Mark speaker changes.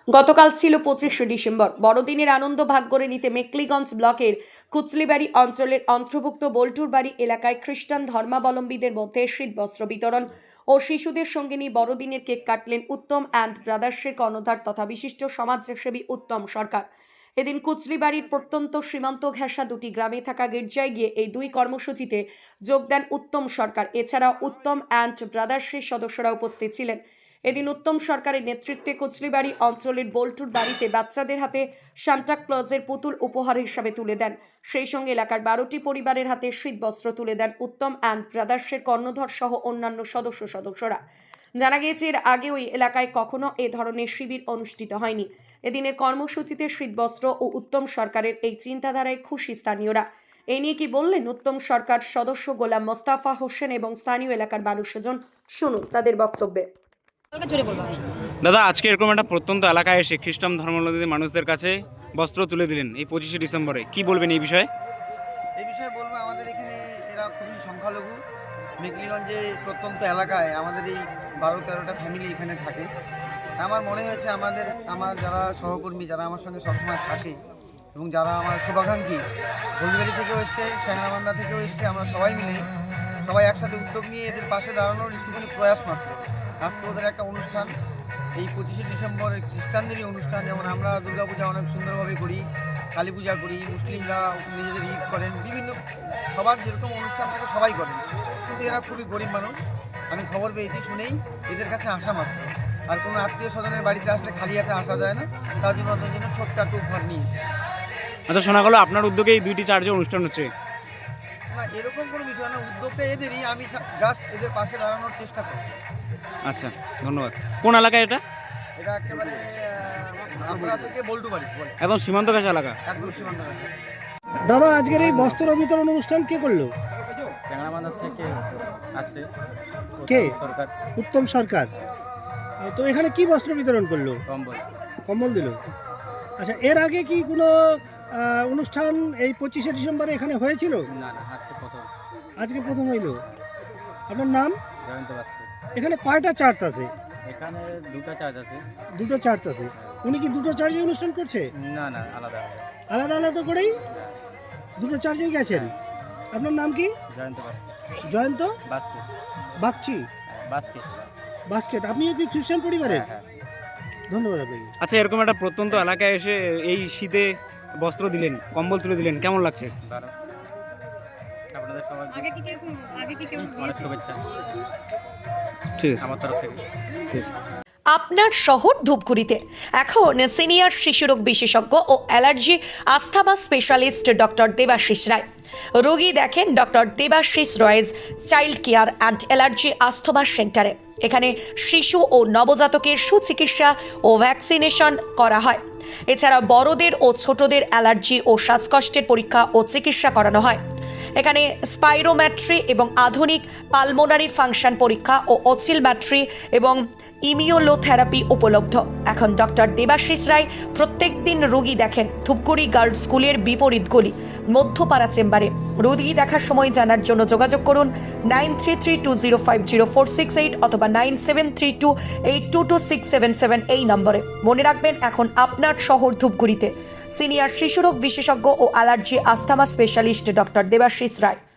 Speaker 1: গতকাল ছিল 25শে ডিসেম্বর। বড়দিনের আনন্দ ভাগ করে নিতে মেকলিগঞ্জ ব্লকের কুচলিবাড়ি অঞ্চলের অন্তর্ভুক্ত বোল্টুর বাড়ি এলাকায় খ্রিস্টান ধর্মাবলম্বীদের মধ্যে শীতবস্ত্র বিতরণ ও শিশুদের সঙ্গে নিয়ে বড়দিনের কেক কাটলেন উত্তম অ্যান্ড ব্রাদার্সের কর্ণধার তথা বিশিষ্ট সমাজসেবী উত্তম সরকার। এদিন কুচলিবাড়ির প্রত্যন্ত সীমান্ত ঘেঁষা দুটি গ্রামে থাকা গির্জায় গিয়ে এই দুই কর্মসূচিতে যোগ দেন উত্তম সরকার। এছাড়াও উত্তম অ্যান্ড ব্রাদার্সের সদস্যরা উপস্থিত ছিলেন। এদিন উত্তম সরকারের নেতৃত্বে কুচলিবাড়ি অঞ্চলের বোল্টুর বাড়িতে বাচ্চাদের হাতে সান্টা ক্লজের পুতুল উপহার হিসাবে তুলে দেন। সেই সঙ্গে এলাকার 12টি পরিবারের হাতে শীতবস্ত্র তুলে দেন উত্তম অ্যান্ড ব্রাদার্সের কর্ণধর সহ অন্যান্য সদস্যরা। জানা গিয়েছে এর আগে ওই এলাকায় কখনো এ ধরনের শিবির অনুষ্ঠিত হয়নি। এদিনের কর্মসূচিতে শীতবস্ত্র ও উত্তম সরকারের এই চিন্তাধারায় খুশি স্থানীয়রা। এই নিয়ে কি বললেন উত্তম সরকার সদস্য গোলাম মোস্তাফা হোসেন এবং স্থানীয় এলাকার 12 জন, শুনুন তাদের বক্তব্যে।
Speaker 2: দাদা, আজকে এরকম একটা প্রত্যন্ত এলাকায় এসে খ্রিস্টান ধর্মাবলম্বী মানুষদের কাছে বস্ত্র তুলে দিলেন এই 25শে ডিসেম্বরে, কি বলবেন এই বিষয়ে?
Speaker 3: এই বিষয়ে বলবো, আমাদের এখানে এরা খুবই সংখ্যালঘু। মেকলিগঞ্জে প্রত্যন্ত এলাকায় আমাদের এই 12-13টা ফ্যামিলি এখানে থাকে। আমার মনে হয়েছে আমার যারা সহকর্মী, যারা আমার সঙ্গে সবসময় থাকে এবং যারা আমার শুভাকাঙ্ক্ষী, হলদিবাড়ি থেকেও এসছে, চ্যাংরাবান্ধা থেকেও এসছে, আমরা সবাই একসাথে উদ্যোগ নিয়ে এদের পাশে দাঁড়ানোর একটুখানি প্রয়াস মাত্র। আজকে ওদের একটা অনুষ্ঠান, এই 25শে ডিসেম্বর খ্রিস্টানদেরই অনুষ্ঠান। যেমন আমরা দুর্গাপূজা অনেক সুন্দরভাবে করি, কালী পূজা করি, মুসলিমরা নিজেদের ঈদ করেন, বিভিন্ন সবার যেরকম অনুষ্ঠান থাকে সবাই করেন। কিন্তু এরা খুবই গরিব মানুষ। আমি খবর পেয়েছি শুনেই এদের কাছে আসা মাত্র। আর কোনো আত্মীয় স্বজনের বাড়িতে আসলে খালি হাতে আসা যায় না, তার জন্য ওদের জন্য ছোট্ট একটা উপহার নিয়ে এসেছি।
Speaker 2: আচ্ছা, শোনা গেল আপনার উদ্যোগে এই 2টি চার্চে অনুষ্ঠান হচ্ছে।
Speaker 3: না, এরকম কোনো বিষয় না, উদ্যোগটা এদেরই। আমি জাস্ট এদের পাশে দাঁড়ানোর চেষ্টা করি।
Speaker 2: আচ্ছা, ধন্যবাদ। কোন এলাকায় এটা?
Speaker 3: এটা একেবারে আমরা থেকে বল্টু বাড়ি,
Speaker 2: একদম সীমান্ত ঘেঁষা এলাকা।
Speaker 3: একদম সীমান্ত কাছে।
Speaker 4: দাদা, আজকের এই বস্ত্র বিতরণ অনুষ্ঠান কে করলো?
Speaker 5: চ্যাংরাবান্ধা থেকে আসছে
Speaker 4: কে?
Speaker 5: সরকার।
Speaker 4: উত্তম সরকার। তো এখানে কি বস্ত্র বিতরণ করলো?
Speaker 5: কম্বল।
Speaker 4: কম্বল দিল। আচ্ছা, এর আগে কি কোনো অনুষ্ঠান এই 25শে ডিসেম্বরে এখানে হয়েছিল?
Speaker 5: না, আজকে প্রথম।
Speaker 4: আজকে প্রথম হইল। আপনার নাম?
Speaker 5: জয়ন্ত বাস্কর।
Speaker 4: এখানে কয়টা চার্চ আছে?
Speaker 5: এখানে 2টা চার্জ আছে।
Speaker 4: 2টো চার্চ আছে। উনি কি 2টো চার্চে অনুষ্ঠান করছে?
Speaker 5: না, আলাদা।
Speaker 4: আলাদা আলাদা করেই 2টো চার্চেই গেছেন। আপনার নাম কি?
Speaker 5: জয়ন্ত বাস্কর।
Speaker 4: জয়ন্ত
Speaker 5: বাস্কর।
Speaker 4: বাগচি
Speaker 5: বাস্কেট।
Speaker 4: বাস্কেট। আপনিও কি খ্রিস্টান পরিবারের?
Speaker 5: হ্যাঁ।
Speaker 4: ধন্যবাদ আপনাকে।
Speaker 2: আচ্ছা, এরকম একটা প্রত্যন্ত এলাকায় এসে এই শীতে বস্ত্র দিলেন, কম্বল তুলে দিলেন, কেমন লাগছে?
Speaker 5: ভালো। আপনাদের সবার অনেক শুভেচ্ছা
Speaker 2: ঠিক আছে
Speaker 5: আমার তরফ থেকে।
Speaker 1: আপনার শহর ধূপগুড়িতে এখন সিনিয়র শিশুরোগ বিশেষজ্ঞ ও allergy asthma specialist doctor Debashis Roy. রোগী দেখেন ডক্টর দেবাশিস রয়েজ child care and allergy asthma সেন্টারে। এখানে শিশু ও নবজাতকের সুচিকিৎসা ও ভ্যাকসিনেশন করা হয়। এছাড়া বড়দের ও ছোটদের অ্যালার্জি ও শ্বাসকষ্টের পরীক্ষা ও চিকিৎসা করানো হয়। এখানে স্পাইরোম্যাট্রি এবং আধুনিক পালমোনারি ফাংশন পরীক্ষা ও অসিলম্যাট্রি এবং ইমিউনোথেরাপি উপলব্ধ। এখন ডক্টর দেবাশিস রায় প্রত্যেক দিন রোগী দেখেন ধূপগুড়ি গার্লস স্কুলের বিপরীত গলি মধ্যপাড়া চেম্বারে। রোগী দেখার সময় জানার জন্য যোগাযোগ করুন 9332050468 অথবা 9732822677 এই নম্বরে। মনে রাখবেন, এখন আপনার শহর ধূপগুড়িতে সিনিয়র শিশুরোগ বিশেষজ্ঞ ও allergy asthma specialist doctor Debashis রায়।